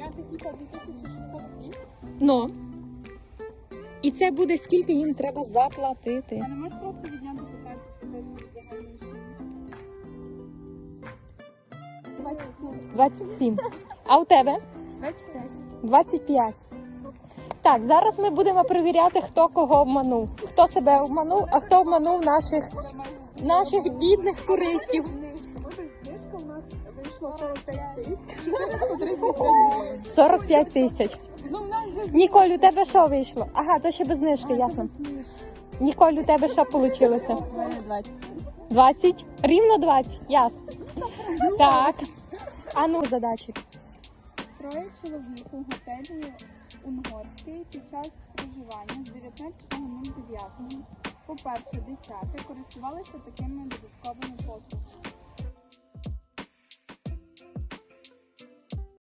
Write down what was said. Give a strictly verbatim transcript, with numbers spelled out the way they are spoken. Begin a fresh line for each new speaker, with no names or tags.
варіанти типа дві тисячі шістсот сім.
Ну. І це буде скільки їм треба заплатити.
А не можеш просто відняти п'ятнадцять відсотків від загальної суми? двадцять сім.
двадцять сім. А у тебе?
двадцять п'ять.
двадцять п'ять. Так, зараз ми будемо перевіряти, хто кого обманув. Хто себе обманув, а хто обманув наших, наших бідних туристів.
Знижка у нас вийшла сорок п'ять тисяч.
сорок п'ять тисяч.
Ну, в нас без
Ніколь, у тебе що вийшло? Ага, то ще без знижки, ясно. Ніколь, у тебе що вийшло?
двадцять.
двадцять? Рівно двадцять, ясно. Так. А ну, задачі.
Троє чоловік у готелі Унгорський під час проживання з дев'ятнадцятого дев'ятого по перше десяте користувалися такими додатковими послугами.